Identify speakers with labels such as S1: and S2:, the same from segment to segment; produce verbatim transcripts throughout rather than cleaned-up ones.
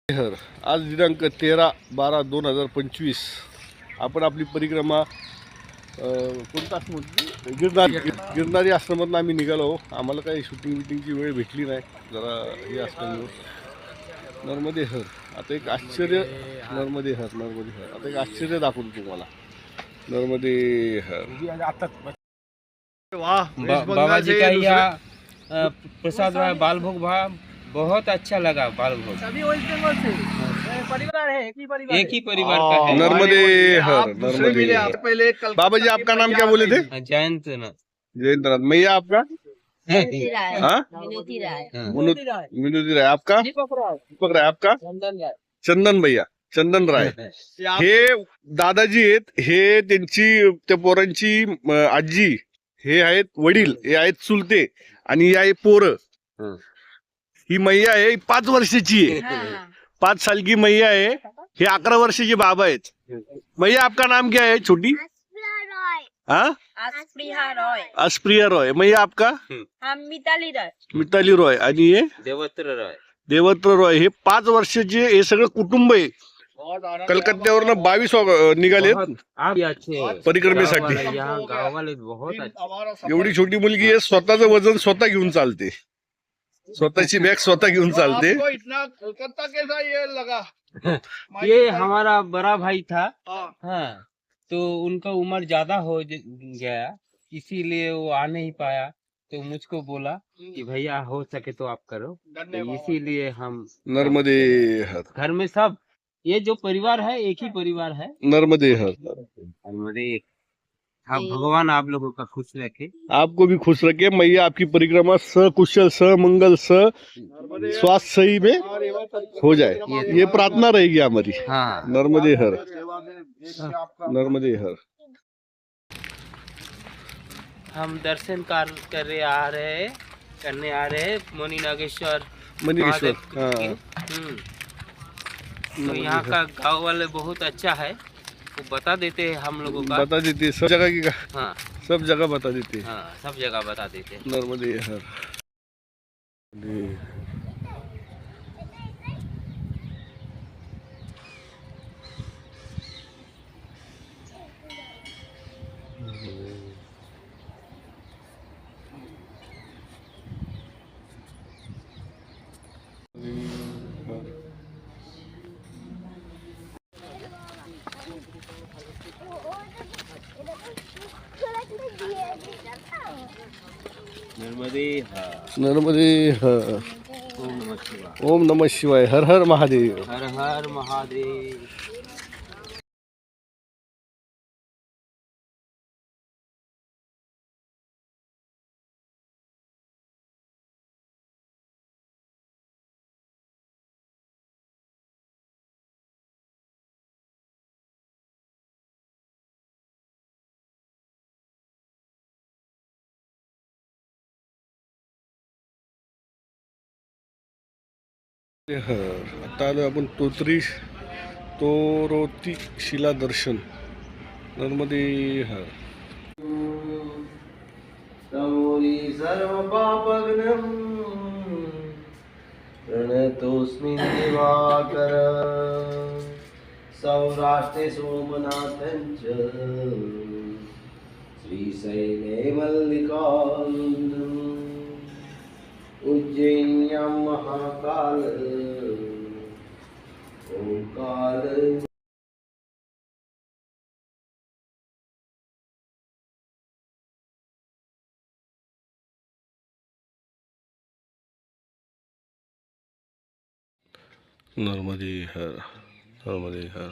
S1: हर आज दिनांक तेरा बारा दोन हजार पंचवीस आपण आपली परिक्रमा कोणता आश्रम गिरनारी गिरनारी आश्रमातून आम्ही निघालो. आम्हाला काही शूटिंग बिटिंगची वेळ भेटली नाही, जरा हे असल्यामुळे. नर्मदे हर आता एक आश्चर्य नर्मदे हर नर्मदे हर आता एक आश्चर्य दाखवतो तुम्हाला. नर्मदे हर
S2: वाह बाबा जी का यह प्रसाद बाल भोग भा बहुत अच्छा लगा. बाल भोग
S3: सभी वेस्ट बंगाल से परिवार है, एक ही परिवार
S2: एक ही परिवार का है.
S1: नर्मदे हर नर्मदे हर.
S3: पहले
S1: बाबा जी आपका नाम क्या बोले थे?
S2: जयंत ना
S1: जयंत नाथ. मैया आपका?
S4: विनोदी राय.
S1: हाँ
S4: विनोदी राय.
S1: विनोदी राय. आपका? दीपक राय. आपका?
S3: चंदन राय.
S1: चंदन भैया चंदन राय. हे दादाजी आहेत, हे त्यांची त्या पोरांची अं, आजी, हे आहेत वडील, हे आहेत चुलते आणि ही आहे पोरं. ही मैया आहे, ही पाच वर्षाची आहे. पाच साल की मैया है. हे अकरा वर्षाचे बाबा आहेत. मैया आपका नाम क्या है छोटी? हाँ
S4: अस्प्रिया रॉय.
S1: अस्प्रिया रॉय. मैया आपका?
S4: हम मिताली रॉय.
S1: मिताली रॉय. आणि हे
S2: देवत्र रॉय.
S1: देवत्र रॉय. हे पाच वर्षाचे हे सगळं कुटुंब आहे. कलकत्त्यावरनं बावीस निघाले परिक्रमेसाठी.
S2: गाँव वाले बहुत अच्छे.
S1: एवढी छोटी मुलगी आहे, स्वतःचं वजन स्वतः घेऊन चालते, स्वतःची बॅग स्वतः घेऊन चालते.
S3: कलकत्ता कैसा ये लगा?
S2: ये हमारा बड़ा भाई था. हाँ, तो उनका उम्र ज्यादा हो गया, इसीलिए वो आ नहीं पाया. तो मुझको बोला कि भैया हो सके तो आप करो, तो इसीलिए हम
S1: नर्मदे हर.
S2: घर में सब ये जो परिवार है एक ही परिवार है.
S1: नर्मदे हर.
S2: नर्मदे. हाँ, भगवान आप लोगों का खुश रखे.
S1: आपको भी खुश रखे. मैया आपकी परिक्रमा सकुशल समंगल स स्वास्थ्य सही में हो जाए, ये प्रार्थना रहेगी हमारी.
S2: हाँ.
S1: नर्मदे हर नर्मदे हर.
S2: हम दर्शन कर कर आ रहे करने आ रहे हैं मणि नागेश्वर
S1: मणिकेश्वर.
S2: महादेव
S1: हाँ.
S2: के. हम्म. तो यहाँ का गांव वाले बहुत अच्छा है, वो बता देते हैं हम लोगों का.
S1: बता देते सब जगह की.
S2: हाँ
S1: सब जगह बता देते.
S2: हाँ, सब जगह बता देते हैं.
S1: नर्मदे हर.
S2: नर्मदे हर.
S1: नर्मदे हर.
S2: ओम नमः शिवाय.
S1: ओम नमः शिवाय. हर हर महादेव.
S2: हर हर महादेव.
S1: हर. आता आलो आपण तोतरी तोरोती शिला दर्शन. नर्मदे हर.
S2: तमोरी सर्व पापग्नं प्रणतोऽस्मि दिवाकर. सौराष्ट्रे सोमनाथं च श्रीशैले मल्लिकार्जुनम्. उज्जैन्यां महाकाल ओंकार.
S1: नर्मदे हर. नर्मदे हर.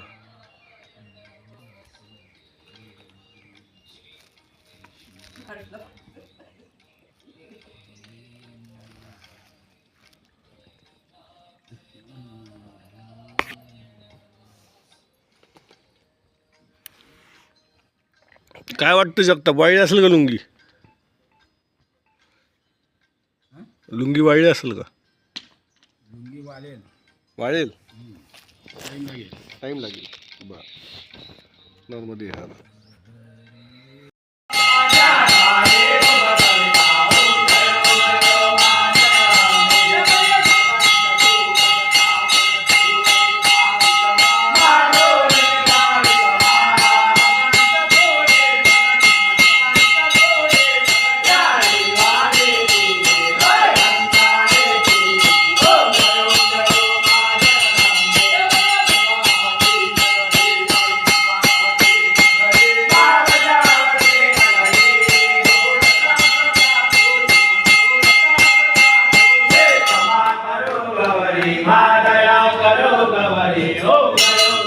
S1: काय वाटतं जगताप, वाळली असेल का लुंगी? लुंगी वाळली असेल का? वाळेल. टाइम लागेल. बर. नर्मदे हर.
S5: माँ दया करो गवरी ओ गयो